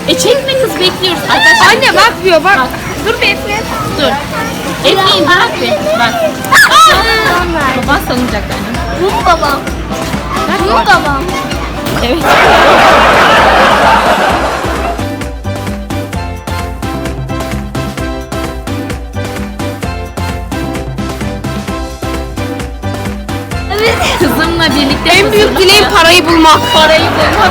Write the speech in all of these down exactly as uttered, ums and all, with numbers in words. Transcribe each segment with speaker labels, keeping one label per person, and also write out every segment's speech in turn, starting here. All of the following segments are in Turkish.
Speaker 1: E çekme kız, bekliyoruz. Arkadaşlar
Speaker 2: Anne bakmıyor bak.
Speaker 1: bak.
Speaker 2: Dur bir Eflin.
Speaker 1: Dur. Efe'yi bırak bir. Bak. Baban sanacak yani.
Speaker 2: Bu babam. Bu babam.
Speaker 1: Evet.
Speaker 2: Evet.
Speaker 1: Kızımla birlikte
Speaker 2: En büyük dileğim parayı bulmak.
Speaker 1: Parayı bulmak.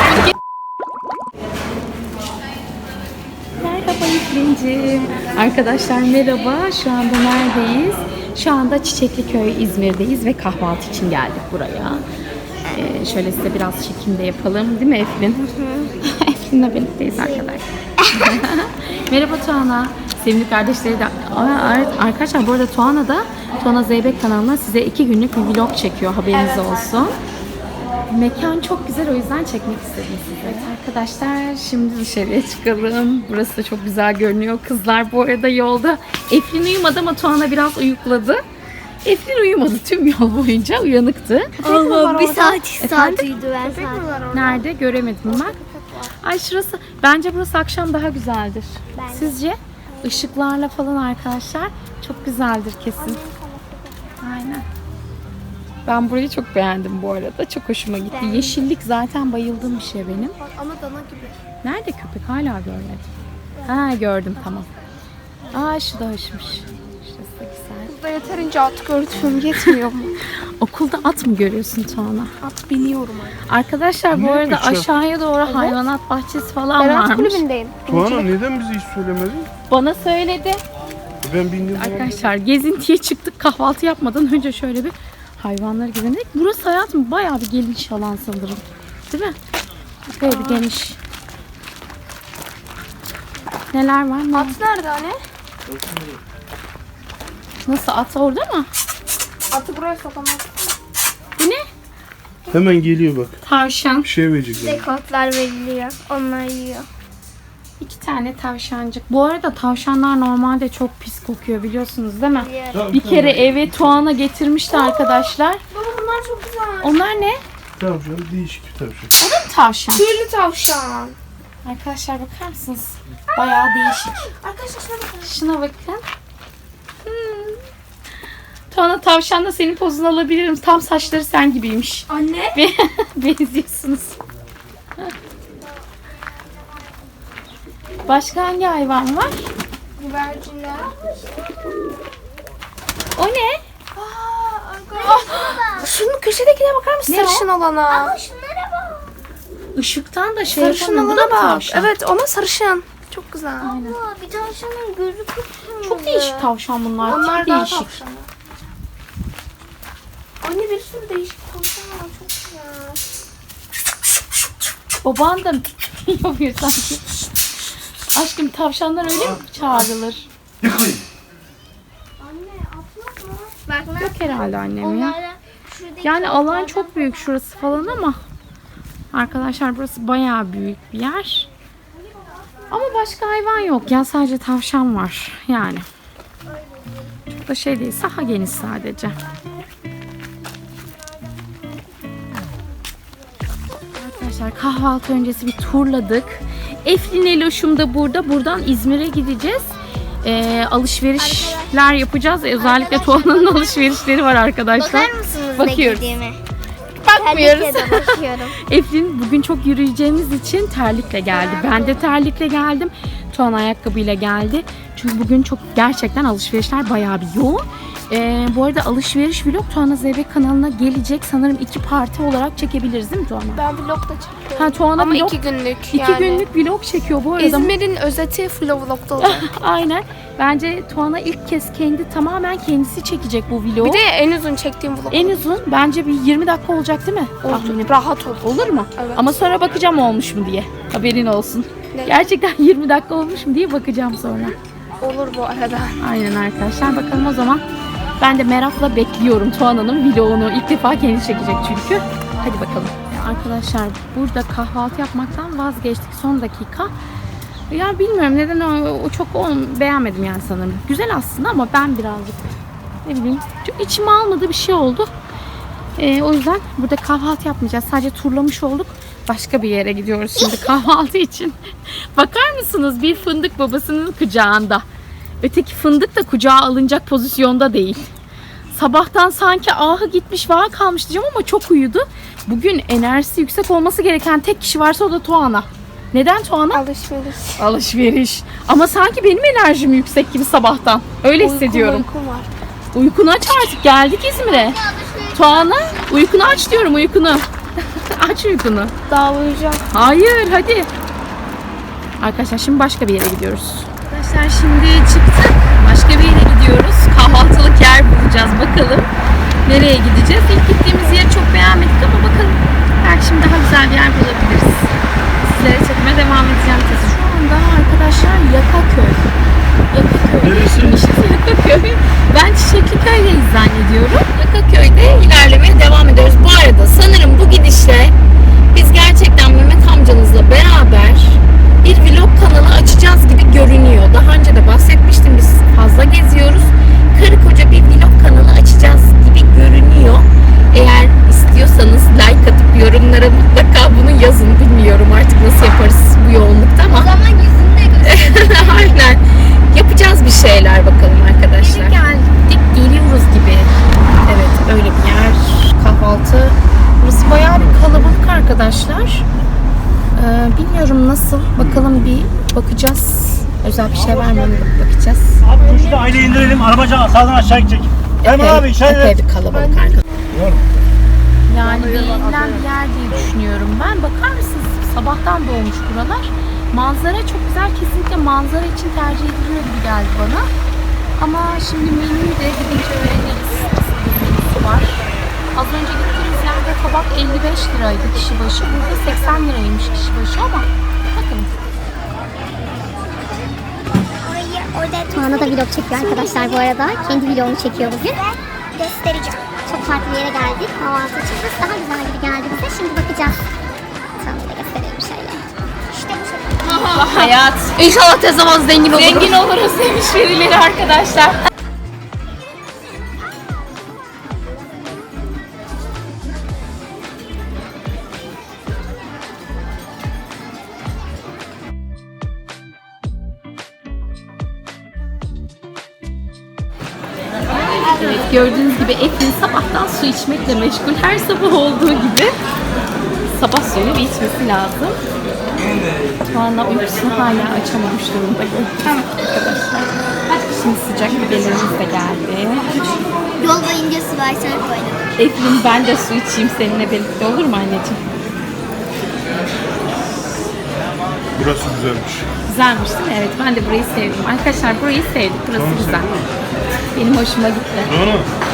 Speaker 1: Merhaba İklimciğim. Arkadaşlar merhaba. Şu anda neredeyiz? Şu anda Çiçekliköy İzmir'deyiz ve kahvaltı için geldik buraya. Ee, şöyle size biraz çekim de yapalım. Değil mi Eflin? Eflin'le birlikteyiz arkadaşlar. Merhaba Tuana. Sevimli kardeşleri de... Aa, arkadaşlar bu arada Tuana da Tuana Zeybek kanalına size iki günlük bir vlog çekiyor. Haberiniz
Speaker 2: Evet.
Speaker 1: olsun. Mekan çok güzel, o yüzden çekmek istedim size. Evet arkadaşlar, şimdi dışarıya çıkalım. Burası da çok güzel görünüyor. Kızlar bu arada yolda. Eflin uyumadı ama Tuana biraz uyukladı. Eflin uyumadı tüm yol boyunca, uyanıktı.
Speaker 2: Allah bir saat
Speaker 1: Efendim?
Speaker 2: saatiydi ben saat.
Speaker 1: Nerede? Göremedim ben. Ay şurası, bence burası akşam daha güzeldir.
Speaker 2: Bence.
Speaker 1: Sizce? Işıklarla falan arkadaşlar çok güzeldir kesin. Aynen. Ben burayı çok beğendim bu arada. Çok hoşuma gitti.
Speaker 2: Ben...
Speaker 1: Yeşillik zaten bayıldığım bir şey benim.
Speaker 2: Ama dana gibi.
Speaker 1: Nerede köpek? Hala görmedim. Ha gördüm, tamam. Aa şu da hoşmuş. Şurası da güzel.
Speaker 2: Burada yeterince at gördüm. Yetmiyor mu?
Speaker 1: Okulda at mı görüyorsun Tuana?
Speaker 2: At biliyorum artık.
Speaker 1: Arkadaşlar bu
Speaker 3: Ne
Speaker 1: arada
Speaker 3: yapacağım?
Speaker 1: aşağıya doğru hayvanat bahçesi falan
Speaker 2: Ben at
Speaker 1: varmış.
Speaker 2: kulübündeyim.
Speaker 3: Tuana neden bize hiç söylemedin?
Speaker 1: Bana söyledi.
Speaker 3: Ben bindim.
Speaker 1: Arkadaşlar gezintiye çıktık, kahvaltı yapmadan önce şöyle bir hayvanları gezindik. Burası hayatım bayağı bir geniş alan sanırım. Değil mi? Böyle bir geniş. Neler var? Ne?
Speaker 2: At nerede anne?
Speaker 1: Nasıl, at orada mı?
Speaker 2: Atı buraya sokamaz.
Speaker 1: Bu ne?
Speaker 3: Hemen geliyor bak.
Speaker 1: Tavşan.
Speaker 3: Bir şey verecekler.
Speaker 2: Dekontlar veriliyor. Onlar yiyor.
Speaker 1: İki tane tavşancık. Bu arada tavşanlar normalde çok pis kokuyor, biliyorsunuz değil mi?
Speaker 2: Biliyorum.
Speaker 1: Bir kere eve Tuana getirmişti arkadaşlar.
Speaker 2: Baba bunlar çok güzel.
Speaker 1: Onlar ne?
Speaker 3: Tavşan değişik bir tavşan.
Speaker 1: O da mı tavşan?
Speaker 2: Tüylü tavşan.
Speaker 1: Arkadaşlar bakar mısınız? Bayağı değişik.
Speaker 2: Arkadaşlar şuna bakın.
Speaker 1: Şuna bakın. Hmm. Tuana tavşanla senin pozunu alabilirim. Tam saçları sen gibiymiş.
Speaker 2: Anne.
Speaker 1: Benziyorsunuz. Başka hangi hayvan var?
Speaker 2: Güvercinler.
Speaker 1: O ne?
Speaker 2: Aa, arkadaşlar. Şunun köşedekine bakar mısın?
Speaker 1: Ne o?
Speaker 2: Sarışın olana. Ama şunlara bak.
Speaker 1: Işıktan da şey
Speaker 2: Sarışın
Speaker 1: yapamıyor. Bu da
Speaker 2: olana bak.
Speaker 1: tavşan.
Speaker 2: Evet ona sarışın. Çok güzel.
Speaker 1: Aynen.
Speaker 2: Bir tavşanın gözü kıpkırmızı.
Speaker 1: Çok değişik tavşan bunlar.
Speaker 2: Onlar
Speaker 1: Çok
Speaker 2: daha
Speaker 1: değişik.
Speaker 2: tavşanı. Anne bir sürü değişik tavşan var. Çok güzel.
Speaker 1: Baban da yapıyor sanki. Aşkım tavşanlar öyle mi çağrılır?
Speaker 3: Yıkayın.
Speaker 2: Anne atmak mı? Bak
Speaker 1: Yok herhalde annem ya. Yani alan çok büyük şurası falan ama arkadaşlar burası bayağı büyük bir yer. Ama başka hayvan yok ya, sadece tavşan var yani. Çok da şey değil, saha geniş sadece. Arkadaşlar kahvaltı öncesi bir turladık. Eflin Eloş'um da burada. Buradan İzmir'e gideceğiz. Ee, alışverişler yapacağız. Özellikle Tuana'nın alışverişleri var arkadaşlar.
Speaker 2: Bakar mısınız
Speaker 1: Bakıyoruz.
Speaker 2: ne giydiğime?
Speaker 1: Bakmıyoruz.
Speaker 2: Terlikle de bakıyorum.
Speaker 1: Eflin bugün çok yürüyeceğimiz için terlikle geldi. Ben de terlikle geldim. Tuana ayakkabıyla geldi. Çünkü bugün çok gerçekten alışverişler bayağı bir yoğun. Ee, bu arada alışveriş vlog Tuana Zeybek kanalına gelecek. Sanırım iki parti olarak çekebiliriz değil mi Tuana?
Speaker 2: Ben vlog da çekiyorum.
Speaker 1: Ha, Tuana
Speaker 2: Ama
Speaker 1: vlog,
Speaker 2: iki günlük
Speaker 1: iki
Speaker 2: yani.
Speaker 1: günlük vlog çekiyor bu arada.
Speaker 2: İzmir'in özeti full vlogda olacak.
Speaker 1: Aynen. Bence Tuana ilk kez kendi tamamen kendisi çekecek bu vlogu.
Speaker 2: Bir de en uzun çektiğim vlog.
Speaker 1: En uzun bence bir yirmi dakika olacak değil mi? Tahminim.
Speaker 2: Rahat ol.
Speaker 1: Olur mu?
Speaker 2: Evet.
Speaker 1: Ama sonra bakacağım olmuş mu diye. Haberin olsun.
Speaker 2: Ne?
Speaker 1: Gerçekten yirmi dakika olmuş mu diye bakacağım sonra.
Speaker 2: Olur bu arada.
Speaker 1: Aynen arkadaşlar. Bakalım o zaman. Ben de merakla bekliyorum Tuana'nın vlogunu. İlk defa kendi çekecek çünkü. Hadi bakalım. Arkadaşlar burada kahvaltı yapmaktan vazgeçtik son dakika. Ya bilmiyorum neden o, o çok o, beğenmedim yani sanırım. Güzel aslında ama ben birazcık ne bileyim çok içime almadığı bir şey oldu. Ee, o yüzden burada kahvaltı yapmayacağız. Sadece turlamış olduk. Başka bir yere gidiyoruz şimdi kahvaltı için. Bakar mısınız? Bir fındık babasının kucağında. Öteki fındık da kucağa alınacak pozisyonda değil. Sabahtan sanki ahı gitmiş vah kalmış diyeceğim ama çok uyudu. Bugün enerjisi yüksek olması gereken tek kişi varsa o da Tuana. Neden Tuana?
Speaker 2: Alışveriş.
Speaker 1: Alışveriş. Ama sanki benim enerjim yüksek gibi sabahtan. Öyle hissediyorum.
Speaker 2: Uykum var.
Speaker 1: Uykunu aç artık. Geldik İzmir'e. Tuana uykunu aç diyorum, uykunu. Aç uykunu.
Speaker 2: Daha uyuyacağım.
Speaker 1: Hayır hadi. Arkadaşlar şimdi başka bir yere gidiyoruz. Arkadaşlar şimdi çıktık. Başka bir yere gidiyoruz. Kahvaltılık yer bulacağız. Bakalım nereye gideceğiz. İlk gittiğimiz yeri çok beğenmedik ama bakalım. Belki şimdi daha güzel bir yer bulabiliriz. Sizlere çekmeye devam edeceğim. Şu anda arkadaşlar Yakaköy. Yakaköy.
Speaker 3: Neresi?
Speaker 1: Yakaköy. Ben Çiçekliköy'deyiz zannediyorum. Yakaköy'de ilerlemeye devam ediyoruz. Bu arada sanırım bu gidişle biz gerçekten Mehmet amcanızla beraber bir vlog kanalı açacağız gibi görünüyor. Daha önce de bahsetmiştim, biz fazla geziyoruz. Karı koca bir vlog kanalı açacağız gibi görünüyor. Eğer istiyorsanız like atıp yorumlara mutlaka bunu yazın. Bilmiyorum artık nasıl yaparız bu yoğunlukta ama.
Speaker 2: O zaman yüzünü de gösterelim.
Speaker 1: Aynen. Yapacağız bir şeyler bakalım arkadaşlar. Geldik, geliyoruz gibi. Evet, öyle bir yer. Kahvaltı. Burası bayağı bir kalabalık arkadaşlar. Ee, bilmiyorum nasıl. Bakalım bir bakacağız. Özel bir şey var mı? Bakacağız.
Speaker 4: Abi tuşla aile indirelim. Arabaca sağdan aşağı gidecek. Hemen abi işaret
Speaker 1: epey
Speaker 4: et.
Speaker 1: bir kalabalık arkadaşlar. Yani beğenilen bir yer diye düşünüyorum ben. Bakar mısınız? Sabahtan doğmuş buralar. Manzara çok güzel. Kesinlikle manzara için tercih ediliyor gibi geldi bana. Ama şimdi menüyü de gidince öğreniriz. Nasıl bir menüsü var. Az önce gittiğimiz yerde tabak elli beş liraydı kişi başı. Burada seksen liraymış kişi başı ama bakalım.
Speaker 5: Tuana da vlog çekiyor arkadaşlar bu arada. Kendi vlogunu çekiyor bugün.
Speaker 2: Göstereceğim.
Speaker 5: Çok farklı bir yere geldik. Kahvaltı için. Burası daha güzel gibi geldi bize. Şimdi bakacağız. Tuana'yı da gösterelim şöyle.
Speaker 2: İşte bu şekilde.
Speaker 1: Hayat.
Speaker 2: İnşallah tez zaman zengin oluruz.
Speaker 1: Zengin oluruz demiş birileri arkadaşlar. Evet, gördüğünüz gibi Eflin sabahtan su içmekle meşgul. Her sabah olduğu gibi sabah suyunu bir içmesi lazım. Tuana uykusunu hala açamamış durumda arkadaşlar. Şimdi sıcak biberlerimiz de geldi.
Speaker 2: Yol boyunca su versene koydum.
Speaker 1: Eflin ben de su içeyim seninle birlikte, olur mu anneciğim?
Speaker 3: Burası güzelmiş.
Speaker 1: Güzelmiş değil mi? Evet, ben de burayı sevdim. Arkadaşlar burayı sevdik. Burası güzel. Benim hoşuma gitti.
Speaker 3: Doğru.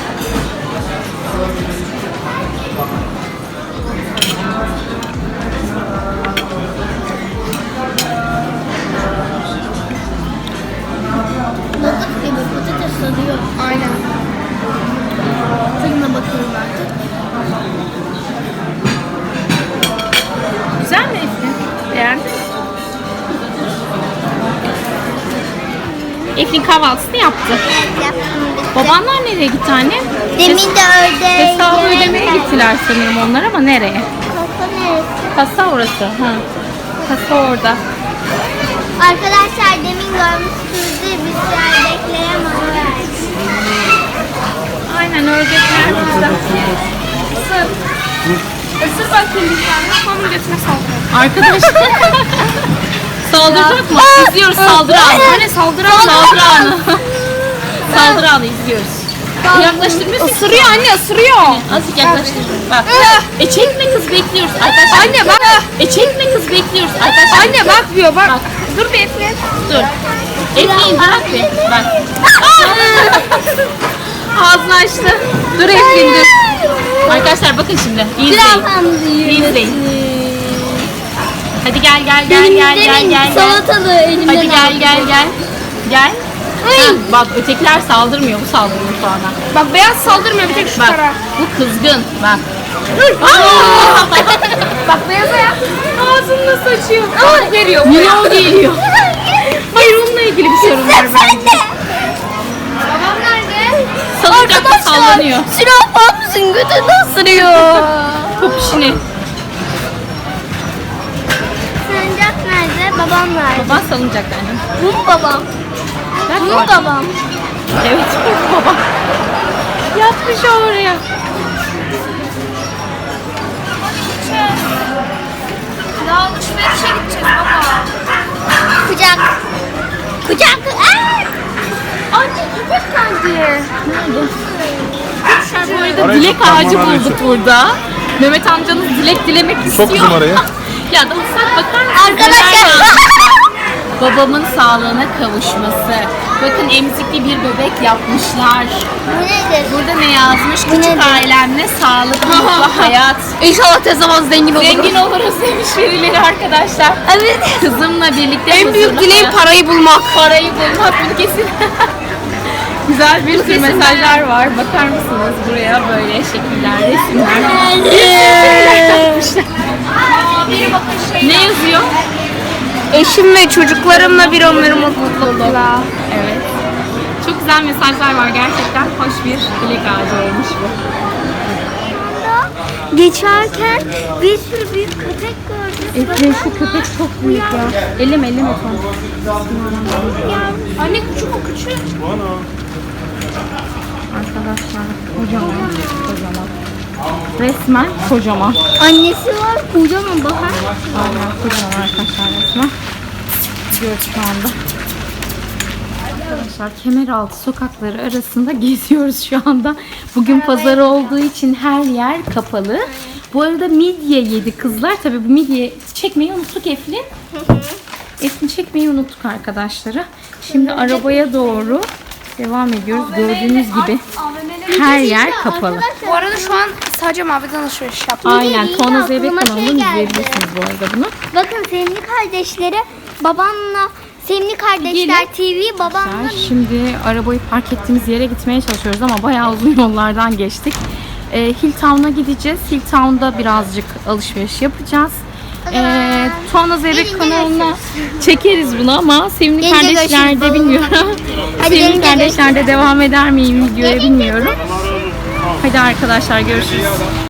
Speaker 2: Balık gibi patates sarıyor. Aynen. Tadına bakıyorum artık.
Speaker 1: Güzel mi Eflin? Beğendin mi? Eflin kahvaltısını yaptı.
Speaker 2: Yaptım bitti.
Speaker 1: Babanlar nereye gitti anne?
Speaker 2: Demin de ördek.
Speaker 1: Hesabı ödemeye gittiler sanırım onlar ama nereye?
Speaker 2: Kasa neresi?
Speaker 1: Kasa orası. Ha. Kasa orada.
Speaker 2: Arkadaşlar demin görmüşsünüzdür bir süre bekleyen onu verdi.
Speaker 1: Aynen ördekler burada. Isır. Isır bakayım bir tane. Onun götüne saldırıyor. Arkadaşlar. Saldıracak mı? İzliyoruz saldırı anı. Hani saldırı anı? Saldırı anı. Saldırı anı izliyoruz. Yaklaştırmıyorsun. Isırıyor anne, ısırıyor. Azıcık yaklaştır. Bak. E çekme kız, bekliyoruz. Arkadaşlar. Anne bak. E çekme kız, bekliyoruz. Arkadaşlar. Anne bakmıyor bak. bak. Dur bir Eflin. Dur. Eflin bırak bir. Bak. Ağzını açtı. Dur Eflin dur. Arkadaşlar bakın şimdi. İzleyin. İzleyin. Hadi gel gel gel gel gel gel.
Speaker 2: Salatalı elimden
Speaker 1: Hadi gel gel gel. Gel. Ha, bak ötekiler saldırmıyor, bu saldırıyor sonra.
Speaker 2: Bak beyaz saldırmıyor bir tek şu
Speaker 1: Bak
Speaker 2: tarafa.
Speaker 1: bu kızgın. Bak.
Speaker 2: Bak beyaza ya.
Speaker 1: Ağzını nasıl açıyor? Aa, veriyor. Miyav geliyor. Hayır onunla ilgili bir sorun var bence.
Speaker 2: Babam nerede?
Speaker 1: Salıncakta sallanıyor.
Speaker 2: Silah mısın? Götünü ısırıyor.
Speaker 1: Popişini.
Speaker 2: babam verdi.
Speaker 1: Baban salıncakta annem.
Speaker 2: Bu babam.
Speaker 1: Ver
Speaker 2: Bu
Speaker 1: baba.
Speaker 2: babam.
Speaker 1: Evet bu baba. Yatmış oraya.
Speaker 2: Daha alışverişe gideceğiz baba. Kucak. Kucak. Aa! Anne köpek geldi.
Speaker 1: Bu arada
Speaker 3: Arayı
Speaker 1: dilek
Speaker 3: tutmam
Speaker 1: ağacı
Speaker 3: arayı
Speaker 1: bulduk
Speaker 3: tut.
Speaker 1: burada. Mehmet amcanız dilek dilemek istiyor.
Speaker 3: Sok kızım araya.
Speaker 1: Ya da ıslak bakar mısın?
Speaker 2: Arkadaşlar.
Speaker 1: Neler yazmışlar? Babamın sağlığına kavuşması. Bakın emzikli bir bebek yapmışlar.
Speaker 2: Bu nedir?
Speaker 1: Burada ne yazmış? Küçük
Speaker 2: nedir?
Speaker 1: ailemle sağlıklı mutlu hayat.
Speaker 2: İnşallah tez zaman zengin oluruz.
Speaker 1: Zengin oluruz demiş birileri arkadaşlar.
Speaker 2: Evet.
Speaker 1: Kızımla birlikte
Speaker 2: En büyük
Speaker 1: huzurlu
Speaker 2: dileğim
Speaker 1: hayat.
Speaker 2: parayı bulmak.
Speaker 1: Parayı bulmak bunu kesin. Güzel bir sürü mesajlar var. Bakar mısınız buraya böyle şekiller, resimler. Ne yazıyor?
Speaker 2: Eşim ve çocuklarımla bir ömür mutlulukla.
Speaker 1: Evet. Çok güzel mesajlar var. Gerçekten hoş bir dilek ağacı olmuş bu.
Speaker 2: Geçerken bir sürü büyük köpek gördüm.
Speaker 1: Efe şu köpek çok büyük ya. Elim elim efendim.
Speaker 2: Anne küçük o küçük.
Speaker 1: Arkadaşlar kocaman, kocaman. Resmen kocaman.
Speaker 2: Annesi var kocaman bakar.
Speaker 1: Aynen kocaman arkadaşlar resmen. Gidiyoruz şu anda. Arkadaşlar Kemeraltı sokakları arasında geziyoruz şu anda. Bugün pazar olduğu için her yer kapalı. Bu arada midye yedi kızlar. Tabii bu midye çekmeyi unuttuk Eflin. Eflin çekmeyi unuttuk arkadaşları. Şimdi arabaya doğru devam ediyoruz. Gördüğünüz gibi her yer kapalı.
Speaker 2: Bu arada şu an sadece maviden alışveriş yaptım.
Speaker 1: Aynen.
Speaker 2: Bir de
Speaker 1: Tuana
Speaker 2: yine
Speaker 1: Zeybek
Speaker 2: aklıma şey
Speaker 1: kanalından
Speaker 2: geldi.
Speaker 1: izleyebilirsiniz bu arada bunu.
Speaker 2: Bakın Sevimli Kardeşleri babamla Sevimli Kardeşler T V babamla
Speaker 1: Şimdi arabayı park ettiğimiz yere gitmeye çalışıyoruz ama bayağı uzun yollardan geçtik. Ee, Hilltown'a gideceğiz. Hilltown'da birazcık alışveriş yapacağız. Ee, Tuana Zeybek
Speaker 2: Gelin,
Speaker 1: kanalına çekeriz bunu ama Sevimli
Speaker 2: Gelince
Speaker 1: Kardeşler'de
Speaker 2: görüşürüz.
Speaker 1: bilmiyorum.
Speaker 2: Hadi
Speaker 1: Sevimli
Speaker 2: gelince
Speaker 1: Kardeşler'de devam eder miyim videoya
Speaker 2: Gelince
Speaker 1: bilmiyorum. Hadi arkadaşlar görüşürüz.